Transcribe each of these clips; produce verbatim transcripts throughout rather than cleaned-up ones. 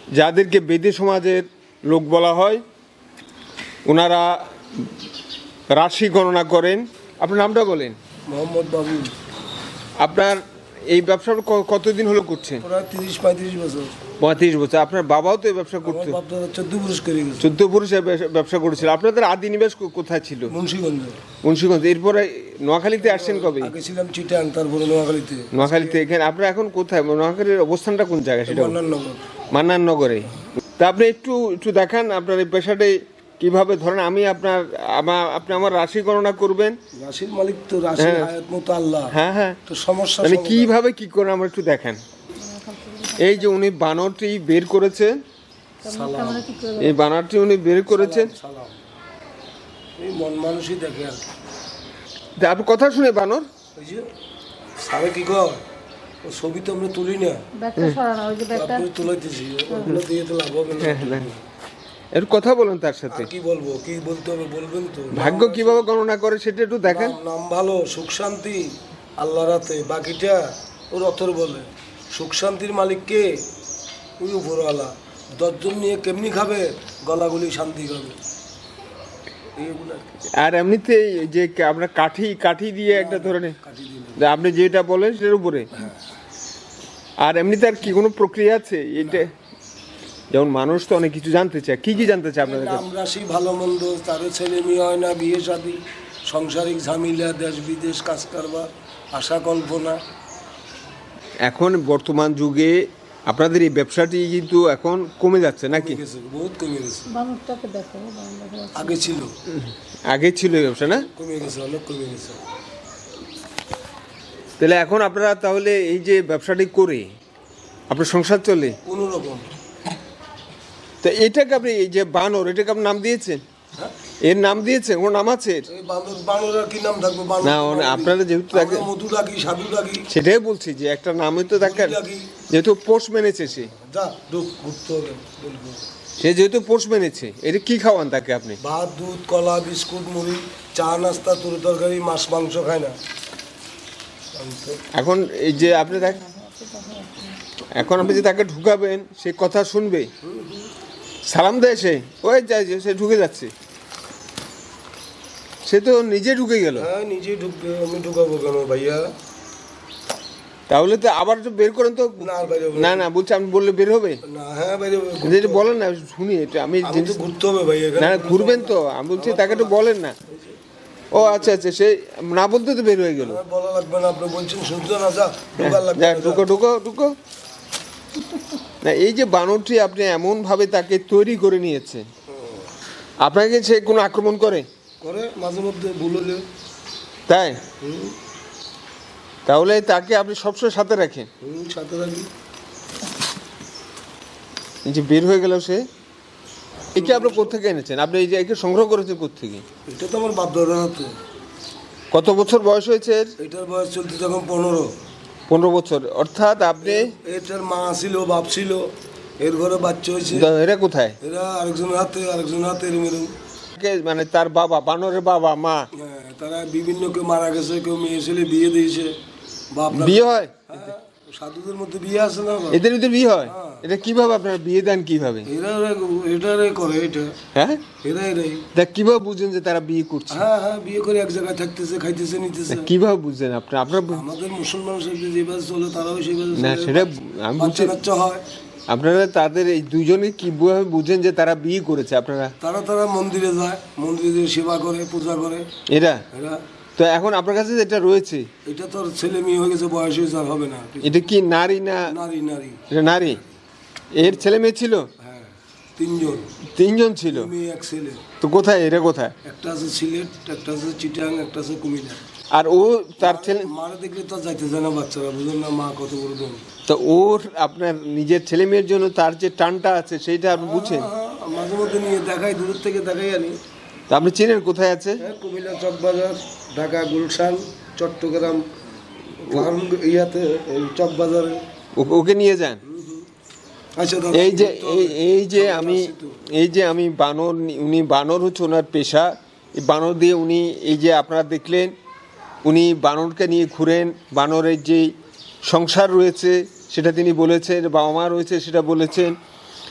যাদেরকে বেদে সমাজের লোক বলা হয়, ওনারা রাশি গণনা করেন। আপনার নামটা বলেন। মোহাম্মদ বাবুল। আপনার এই ব্যবসা কতদিন হলো করছেন? প্রায় তিরিশ পঁয়ত্রিশ বছর। পঁয়ত্রিশ বছর। আপনার বাবাও তো এই ব্যবসা করতো? চোদ্দ পুরুষ করে গেছে। চোদ্দ পুরুষ ব্যবসা করেছিল। আপনাদের আদি নিবাস কোথায় ছিল? মুন্সিগঞ্জ। মুন্সিগঞ্জ। এরপরে নোয়াখালীতে আসছেন কবে? আগে ছিলাম চিটাং, তারপরে নোয়াখালীতে। নোয়াখালীতে। এখানে আপনার এখন কোথায়? নোয়াখালীর অবস্থানটা কোন জায়গায় সেটা? মান্নাননগর। মান্নাননগরে। তা আপনি একটু একটু দেখান আপনার এই পেশাটাই কিভাবে ধরেন। আমি আপনার আমার আপনি আমার রাশি গণনা করবেন। রাশির মালিক তো, রাশি হায়াত মতো আল্লাহ। হ্যাঁ হ্যাঁ। তো সমস্যা মানে কিভাবে কি করেন আমরা একটু দেখেন। এই যে উনি বানরটি বের করেছেন, এই বানরটি উনি বের করেছেন। সালাম। এই মন মানুষই দেখে আর কি। আপনি কথা শুনে বানর ওই যে সারে কি কর, ও ছবি তো আমরা তুলি না, আপনি তুলাইতেছি, ওগুলো দিয়ে তো লাভ হবে না। এর কথা বলেন তার সাথে। কি বলবো, কি বলতে হবে বলবেন তো। ভাগ্য কিভাবে গণনা করে সেটা একটু দেখেন। নাম ভালো, সুখ শান্তি আল্লাহ রাতে, বাকিটা ওর অথর বলে। সুখ শান্তির মালিক কে? ওই উপরওয়ালা। দশজন নিয়ে কেমনি খাবে? গলাগুলি শান্তি খাবে। আর এমনিতে যে আমরা কাঠি কাঠি দিয়ে একটা ধরনের, আপনি যেটা বলেন সেটার উপরে। আর এমনিতে আর কি কোনো প্রক্রিয়া আছে? এটা যেমন মানুষ তো অনেক কিছু জানতে চায়। কি কি জানতে চায় আপনাদের? নাম রাশি, ভালো মন্দ, তারও ছেলে মেয়ে হয় না, বিয়ে শাদী, সাংসারিক ঝামেলা, দেশ বিদেশ, কাজ কারবার, আশা কল্পনা। এখন বর্তমান যুগে আপনাদের এই ব্যবসাটি কিন্তু এখন কমে যাচ্ছে নাকি? বহুত কমে গেছে। আগে ছিল, আগে ছিল এই ব্যবসা না? কমে গেছে, অনেক কমে গেছে। তাহলে এখন আপনারা তাহলে এই যে ব্যবসাটি করে আপনার সংসার চলে কোনো রকম? তো এটাকে আপনি এই যে বানর, এটাকে আপনি নাম দিয়েছেন? এর নাম দিয়েছেন? ওর নাম আছে? না, আপনারা যেহেতু তাকে মধু ডাকি, সাধু ডাকি, সেটাই বলছি যে একটা নামই তো তাকে, যেহেতু পোষ মেনেছে সে, সে যেহেতু পোষ মেনেছে, এটা কি খাওয়ান তাকে আপনি? ভাত, দুধ, কলা, বিস্কুট, মুড়ি, চা, নাস্তা, তরি তরকারি, মাছ মাংস খায় না। এখন এই যে আপনি দেখ, এখন আপনি যে তাকে ঢুকাবেন, সে কথা শুনবে? সালাম দেয় সে, ওই যায় যে সে ঢুকে যাচ্ছে, সে তো নিজে ঢুকে গেল। হ্যাঁ, নিজে ঢুকবে, আমি ঢুকাবো কেন ভাইয়া? তাহলে তো আবার তো বের করেন তো। না না বলছি, আমি বললে বের হবে না? হ্যাঁ বের হবে। যেটা বলেন না শুনি, এটা আমি ঘুরতে হবে ভাইয়া। না ঘুরবেন তো, আমি বলছি তাকে তো বলেন না। ও আচ্ছা আচ্ছা, সে না বলতে তো বের হয়ে গেল। বলা লাগবে না, আপনি বলছেন শুনতে না, যা যা ঢুকো ঢুকো ঢুকো। না, এই যে বানরটি আপনি এমন ভাবে তাকে তৈরি করে নিয়েছে, আপনাকে সে কোনো আক্রমণ করে? করে মাঝে মধ্যে, ভুল হলে। তাই? তাহলে তাকে আপনি সবসময় সাথে রাখেন? সাথে রাখি। এই যে বের হয়ে গেল সে, একে আপনি কোথেকে এনেছেন? আপনি এই যে একে সংগ্রহ করেছেন কোথেকে? এটা তো আমার বাপ দাদার হাতে। কত বছর বয়স হয়েছে এর? এটার বয়স চলতে যখন পনেরো। পনেরো বছর। অর্থাৎ আপনি, এটার মা ছিল, বাপ ছিল, এর ঘরে বাচ্চা হয়েছে। এরা কোথায়? এরা আরেকজনের হাতে, আরেকজনের হাতে এরম এরম। মানে তার বাবা, বানরের বাবা মা, হ্যাঁ, তারা বিভিন্ন, কেউ মারা গেছে, কেউ মেয়ে ছেলে বিয়ে দিয়েছে। বিয়ে হয়? সাধুদের মধ্যে বিয়ে আছে না? এদের ভিতরে বিয়ে হয়? এটা কিভাবে আপনারা বিয়ে দেন কিভাবে? এরা এটারে করে এটা। হ্যাঁ, এরা এরাই। দেখ কিভাবে বুঝেন যে তারা বিয়ে করছে? হ্যাঁ হ্যাঁ, বিয়ে করে এক জায়গায় থাকতেছে, খাইতেছে, নিতেছে। কিভাবে বুঝছেন আপনার? আপনার আমাদের মুসলমান যেভাবে চলে, তারাও সেইভাবে না, সেটা আমি বলছি। হয়। আপনারা তাদের এই দুজনে কিভাবে বুঝেন যে তারা বিয়ে করেছে? আপনারা তারা তারা মন্দিরে যায়, মন্দিরে সেবা করে, পূজা করে এরা। এরা তো এখন আপনার কাছে যেটা রয়েছে, এটা তো ছেলে মেয়ে হয়ে গেছে, বয়স হয়েছে, আর হবে না। এটা কি নারী না? নারী। নারী। এটা নারী। এর ছেলে মেয়ে ছিল? হ্যাঁ, তিনজন। তিনজন ছিল? মেয়ে এক ছেলে। তো কোথায় এরা? কোথায়? একটা আছে সিলেট, একটা আছে চিটাং, একটা আছে কুমিল্লা। আর ও তার ছেলে মারা দেখলে তো যাইতে যায় না বাচ্চারা, বুঝলেন না? মা কত বড় দম। তো ওর আপনার নিজের ছেলে মেয়ের জন্য তার যে টানটা আছে সেইটা আপনি বুঝছেন? মাঝে মধ্যে নিয়ে দেখাই, দূর থেকে দেখাই আনি। তা আপনি চেনেন কোথায় আছে? হ্যাঁ, কুমিল্লা চকবাজার, ঢাকা গুলশান, চট্টগ্রাম ইয়াতে চকবাজারে। ওকে নিয়ে যান। আচ্ছা, এই যে এই যে আমি এই যে আমি বানর, উনি বানর হচ্ছে ওনার পেশা। এই বানর দিয়ে উনি, এই যে আপনারা দেখলেন, উনি বানরকে নিয়ে ঘুরেন। বানরের যে সংসার রয়েছে সেটা তিনি বলেছেন, বাবা মা রয়েছে সেটা বলেছেন।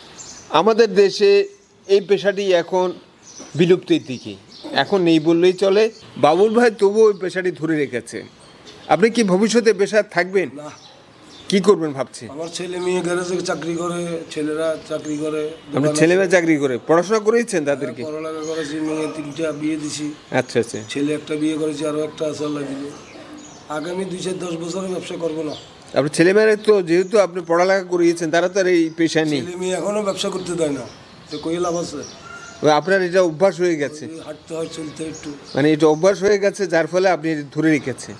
আমাদের দেশে এই পেশাটি এখন বিলুপ্তির দিকে, এখন নেই বললেই চলে। বাবুল ভাই তবুও ওই পেশাটি ধরে রেখেছে। আপনি কি ভবিষ্যতে পেশা থাকবেন, না, কি করবেন ভাবছেন? আমার ছেলে মেয়ে গ্যারেজে চাকরি করে, ছেলেরা চাকরি করে, আপনার দোকান ছেলে আছে। মেয়ে চাকরি করে, পড়াশোনা করেছেন তাদেরকে? পড়ালেখা করেছি, মেয়ে তিনটা বিয়ে দিছি, আচ্ছা আচ্ছা। ছেলে একটা বিয়ে করেছি, আরও একটা আছে আল্লাহ দিলে। আগামী দুই চার দশ বছরে ব্যবসা করবো না। আপনার ছেলেমেয়েরা তো যেহেতু আপনি পড়ালেখা করিয়েছেন, তারা তো আর এই পেশায় নেই। ছেলে মেয়ে এখনো ব্যবসা করতে দেয় না, তো কই লাভ আছে? ওই আপনার এটা অভ্যাস হয়ে গেছে, হাঁটতে হয়, চলতে হয় একটু। মানে এটা অভ্যাস হয়ে গেছে, যার ফলে আপনি এটা ধরে রেখেছেন।